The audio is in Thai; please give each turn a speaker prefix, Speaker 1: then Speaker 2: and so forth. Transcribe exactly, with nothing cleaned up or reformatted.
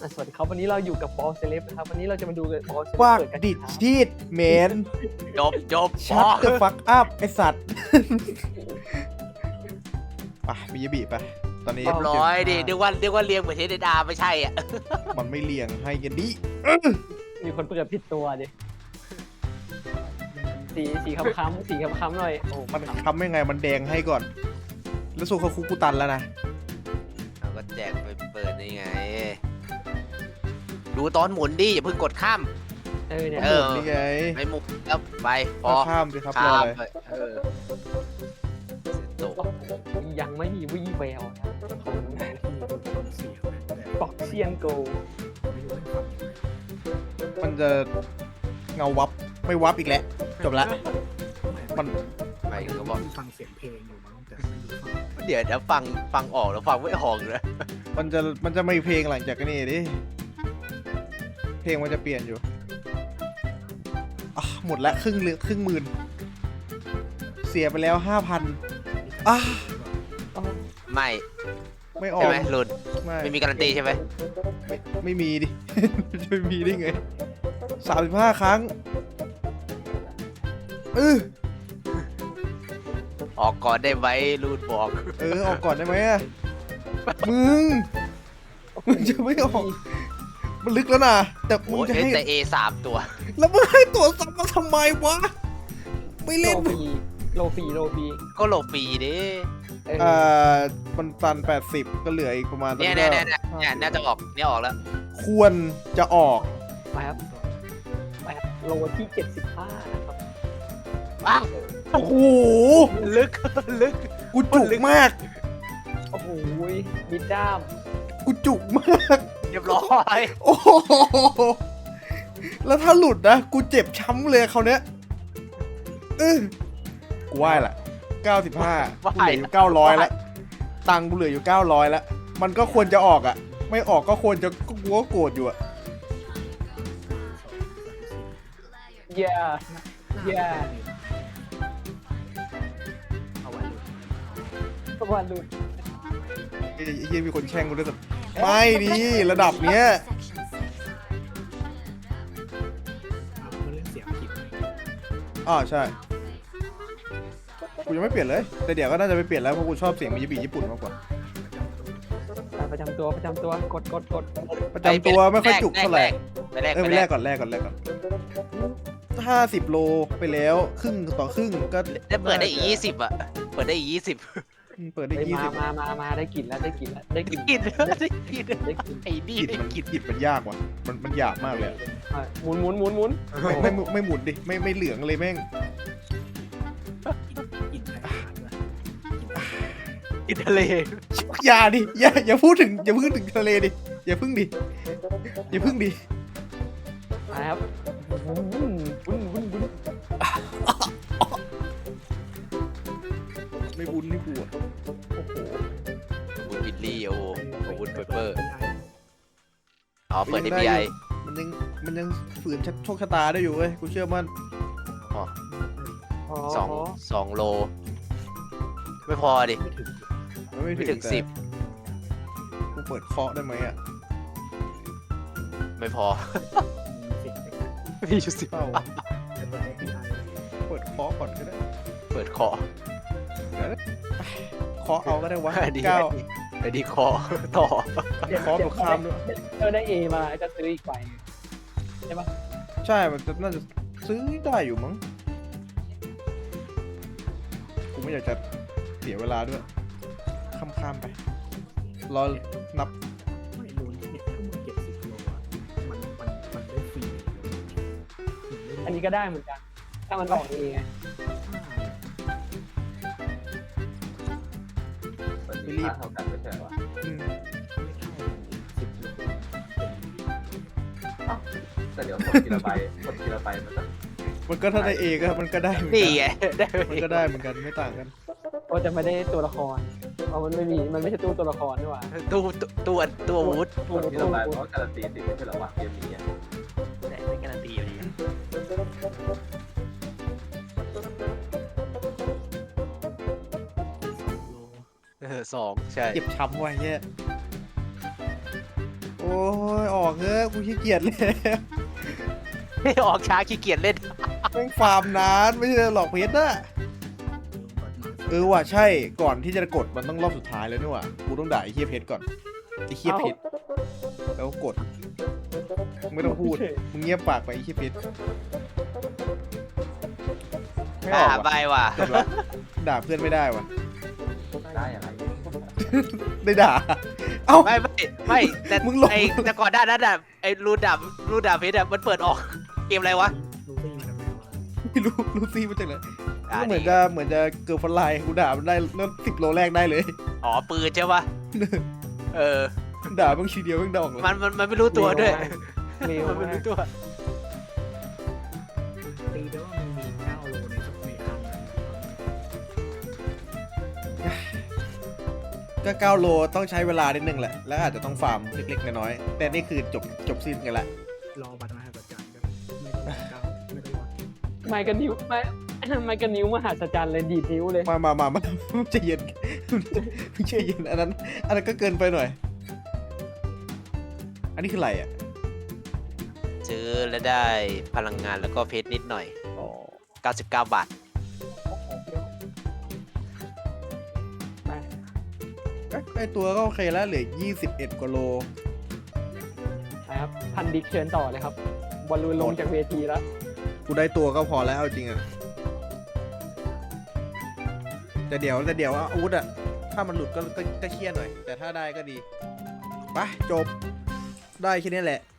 Speaker 1: สวัสดีครับวันนี้เราอยู่กับบอลเซเลบนะครับวันนี้เราจะมาดูบอลเซเลบ
Speaker 2: ว่า
Speaker 1: เปิดกัน
Speaker 2: ดิดชีดเมน
Speaker 3: จบจบ
Speaker 2: ชัดเดอะฟักอัพไอสัตว์ ไปมียบีไปตอนนี้
Speaker 3: เรียบร้อยดิเรียกว่าเรียกว่าเรียงเหมือนเทเดดาไม่ใช่อ่ะ
Speaker 2: มันไม่เลียงให้กันดิ
Speaker 1: มีคนเปิดผิดตัวดิสีสีค้ำๆสีค้ำๆหน่อยโอ้
Speaker 2: มันทำยังไงมันแดงให้ก่อน แล้วสู้เขาคุกกูตันแล้วนะ
Speaker 3: เราก็แจกไปเปิดนี่ไง ดูตอนหมุนดิอย่าเพิ่งกดข้าม
Speaker 1: เออเนี่ย
Speaker 3: เออ
Speaker 2: นี่ไง
Speaker 3: ไม่หมุนแล้วไปพอ
Speaker 2: ก็ข้ามสิครับรอ
Speaker 3: ข้าม
Speaker 2: เลย
Speaker 3: ไปเออเสร็จจบ
Speaker 1: ยังไม่มีวี่แววนะของบอกเซียนโก
Speaker 2: มันจะเงาวับไม่วับอีกแล้วจบละมัน
Speaker 3: ไปก็บอก
Speaker 4: ฟังเสียงเพลงอยู่มั้งแต่ไม่รู้ฟัง
Speaker 3: เดี๋ยวเดี๋ยวฟังฟังออกแล้วฟังไม่ออกเลย
Speaker 2: มันจะมันจะไม่เพลงหลังจากนี้ดิเพลงมันจะเปลี่ยนอยู่อ่ะหมดละครึ่งเหลือครึ่งหมื่นเสียไปแล้วห้าพันอ่ะ
Speaker 3: ไม่
Speaker 2: ไม่ออ
Speaker 3: ใช่
Speaker 2: ก
Speaker 3: ไหมลุน
Speaker 2: ไม่
Speaker 3: ไม่มีการันตีใช่ไหม
Speaker 2: ไม่ไม่มีดิ จะไม่มีได้ไงสามสิบห้าครั้งเออ
Speaker 3: ออกก่อนได้ไหมลุนบอก
Speaker 2: เออออกก่อนได้ไหมอะมึงมึงจะไม่ออกมันลึกแล้วนะแต่มึง
Speaker 3: โอ้ย
Speaker 2: จะให้
Speaker 3: แต่ A สามตัว
Speaker 2: แล้วมึงให้ตัวซ้ำมาทำไมวะไม่
Speaker 1: โล
Speaker 2: เล่น
Speaker 1: ฟีโลฟีโลฟี
Speaker 3: ก็โหลฟรีดิ
Speaker 1: เออ
Speaker 2: อ่ามันตันแปดสิบก็เหลืออีกประมาณ
Speaker 3: เนี่ยเนี่ยเนี่ยเนี่ยเนี่ยน่าจะออกเนี่ยออกแล้ว
Speaker 2: ควรจะออก
Speaker 1: ไปครับไปครับโลที่เจ็ดสิบห้านะครับ
Speaker 3: อ้าว
Speaker 2: โอ้โห
Speaker 3: ลึก ลึก
Speaker 2: กูจุกมาก
Speaker 1: โอ้โหมิดด้าม
Speaker 2: กูจุกมาก
Speaker 3: เรียบร้อย
Speaker 2: โอ้โหแล้วถ้าหลุดนะ กูเจ็บช้ำเลยเขาวเนี้ยเออกูไหวละเก้าสิบห้ากูเหลืออยู่เก้าร้อยแล้ว ตังค์กูเหลืออยู่เก้าร้อยแล้ว มันก็ควรจะออกอ่ะ ไม่ออกก็ควรจะก็กูก็โกรธอยู่อ่ะ
Speaker 1: เย่เย่
Speaker 4: เอาไว้เลย
Speaker 1: ประมาณลุน
Speaker 2: ไอ้เหี้ยมีคนแช่งกูด้วยสัตว์ไม่ดิระดับเนี้ย
Speaker 4: เอาเรื่องเสียงผิด
Speaker 2: อ๋อใช่ กูยังไม่เปลี่ยนเลย แต่เดี๋ยวก็น่าจะไปเปลี่ยนแล้วเพราะกูชอบเสียงมิยาบิญี่ปุ่นมากกว่า
Speaker 1: ประจำตัวประจำตัวกดกดกด
Speaker 2: ประจำตัวไม่ค่อยจุกเท่าไหร่
Speaker 3: ไปแรก
Speaker 2: เออไปแลกก่อนแลกก่อนแลกก่อนห้าสิบโลไปแล้วครึ่งต่อครึ่งก็
Speaker 3: ได้เปิดได้อีกยี่สิบอ่ะ เปิดได้อีกยี่สิบ
Speaker 2: เปิดได้
Speaker 1: เฮ้ย
Speaker 2: ยี่
Speaker 1: มา
Speaker 2: สิบ
Speaker 1: มามามาได้กลิ่นแล้วได้กลิ่นแล้วได้กลิ่น
Speaker 3: กินได้กิน
Speaker 1: ได้กลิ่น
Speaker 3: ไอ้นี่
Speaker 2: กิด
Speaker 3: ได้
Speaker 2: มัน
Speaker 3: กิน
Speaker 2: กิดมันยากว่ะมันมันหยาบมากเลยอะ
Speaker 1: อ่ะหมุนหมุนหมุนหมุน
Speaker 2: ไม่ไม่ไม่ไม่หมุนดิไม่ไม่เหลืองเลยแม่ง
Speaker 4: กินไทยผ่านด้วย
Speaker 3: กินทะเล
Speaker 2: อย่าดิอย่าอย่าพูดถึงอย่าพูดถึงทะเลดิอย่าพึ่งดิอย่าพึ่งดิ
Speaker 1: มาครับวุ้นวุ้นวุ้นวุ้นวุ้น
Speaker 2: ไม่บุญไม่บวช
Speaker 1: โอ้โห
Speaker 3: วุ้นบิลลี่โอ้โหวุ้นเปเปอร์
Speaker 4: ไม่ได้
Speaker 3: อ๋อ เปิดได้ บี ไอ
Speaker 2: มันยังมันยังฝืนโชคชะตาได้อยู่เว้ยกูเชื่อมั่น
Speaker 3: อ๋อ
Speaker 1: อ๋อ
Speaker 3: สองสองโล ไม่พอดิ
Speaker 4: ไม่ถึง
Speaker 2: มันไม่
Speaker 3: ไม่ถึง
Speaker 2: แต่
Speaker 3: สิบ
Speaker 2: กูเปิดเคาะได้ไหมอ่ะ
Speaker 3: ไม่พอ
Speaker 4: มีเสียงไป
Speaker 3: มีอยู่สิบ
Speaker 2: เปล่า
Speaker 4: แต่เปิดได้ไม่ได้
Speaker 2: เปิดเคาะก่อนก็ได้
Speaker 3: เปิดคอ
Speaker 2: เคาะเอาก็ได้วะ
Speaker 3: ดี
Speaker 2: เก้า
Speaker 3: ไอ้ดีคอต่อ
Speaker 2: เคาะกับข้ามด้วย
Speaker 1: เออได้เอมาก็ซื้ออีกใบใช่ปะ
Speaker 2: ใช่ มันจะน่าจะซื้อได้อยู่มั้ง กูไม่อยากจะเสียเวลาด้วย ข้ามๆไป รอนับ
Speaker 4: ไม่รู้เนี่ยถ้ามึงเก็บสิบโลอ่ะมันมันมันได้ฟรี
Speaker 1: อันนี้ก็ได้เหมือนกัน ถ้ามันออกเองไง
Speaker 2: ไม่รีบ
Speaker 5: เท่ากันไม่ใช่เหรอ
Speaker 2: อืม
Speaker 4: สิบโล
Speaker 5: แต่เดี๋ยวคนทีละใบคนทีละใบมันจะ
Speaker 2: มันก็ถ้าได้เอก็มันก็ได้เหมือน
Speaker 3: นี่
Speaker 2: กั
Speaker 3: ไงได้
Speaker 2: มันก็ได้เหมือนกันไม่ต่างกัน
Speaker 1: ก็จะไม่ได้ตัวละครเพราะมันไม่มีมันไม่ใช่ตู้ตัวละครนี่หว่า
Speaker 3: ตู้ตัวตัววุฒ
Speaker 1: ตู้
Speaker 5: คนที
Speaker 1: ตู้
Speaker 5: ละใบเพราะการันตีติดไม่ใช่เหรอวะเกมนี้อะ
Speaker 3: แต่ไม่การันตีอยู่ดี
Speaker 4: โล
Speaker 3: เออสองใช่
Speaker 2: เจ็บช้ำว่ะเฮียโอ้ยออกเถอะกูขี้เกียจเลย
Speaker 3: ไม่ออกช้าขี้เกียจเล่น
Speaker 2: แม่งฟาร์มนานไม่ใช่หลอกเพชรนะเออว่ะใช่ก่อนที่จะกดมันต้องรอบสุดท้ายแล้วนี่ว่ะกูต้องด่าไอ้เฮียเพชรก่อนไอ้เฮียเพชรแล้วกดไม่ต้องพูดมึงเงียบปากไปไอ้เฮียเพชรไม่อ
Speaker 3: อ่า
Speaker 2: อก
Speaker 3: ใบ
Speaker 2: ว่ะ
Speaker 3: ว่ะ
Speaker 2: จบละด่าเพื่อนไม่ได้ว่ะ
Speaker 5: ได้อะไร
Speaker 2: ได้ด่าเอ้า
Speaker 3: ไม่ไม่ไม่แต่
Speaker 2: มึงหลบ
Speaker 3: ไอแต่ก่อนหน้านั้นอ่ะไอรูดาบรูดาบเพชรอ่ะมันเปิดออกเกมอะไรวะ
Speaker 4: รู้ได้ยังไงวะ
Speaker 2: ไม่รู้รู้ซี่มาจากไหน
Speaker 3: อ่า
Speaker 2: ก็เหมือน
Speaker 3: นี่
Speaker 2: จะเหมือนจะเกิร์ลฟลายกูด่ามันได้เริ่มสิบโลแรกได้เลย
Speaker 3: อ๋อปืนใช่ปะเออ
Speaker 2: ด่าบางทีเดียวเพิ่งดองเลย
Speaker 3: มันมันมันไม่รู้ตัวด้วย
Speaker 1: เร็ว
Speaker 3: มันไม่
Speaker 1: มาก
Speaker 3: รู้ตัว
Speaker 4: ตีได้ว่ามันมีเก้าโลในในครั้งนั้น
Speaker 2: ก็เก้าโลต้องใช้เวลานิดนึงแหละ แล้วอาจจะต้องฟาร์มเล็กๆน้อยๆแต่นี่คือจบจบสิ้นกันละ
Speaker 4: รอบัตรมหาประจันกันไม่ต้องเก้าไม่ต้องรอ
Speaker 1: ไมค์กับนิ้วไมค์ไมค์กับนิ้วมหัศจรรย์เลยดีดนิ้วเลย
Speaker 2: มามามามาใจเย็นใจเย็นอันนั้นอันนั้นก็เกินไปหน่อย อันนี้คืออะไรอ่ะ
Speaker 3: ซื้อแล้วได้พลังงานแล้วก็เพชรนิดหน่อย
Speaker 2: อ๋อ
Speaker 3: เก้าสิบเก้าบาท
Speaker 1: ไป
Speaker 2: เอ๊ะไอตัวก็โอเคแล้วเหลือยี่สิบเอ็ดกว่าโล
Speaker 1: นะครับพันดิกเชิญต่อเลยครับบอลลูนลงจากเวทีแล้ว
Speaker 2: กูได้ตัวก็พอแล้วเอาจริงอ่ะแต่เดี๋ยวแต่เดี๋ยวอาวุธอ่ะถ้ามันหลุดก็ก็ก็เครียดหน่อย แต่ถ้าได้ก็ดีไปจบได้แค่นี้แหละ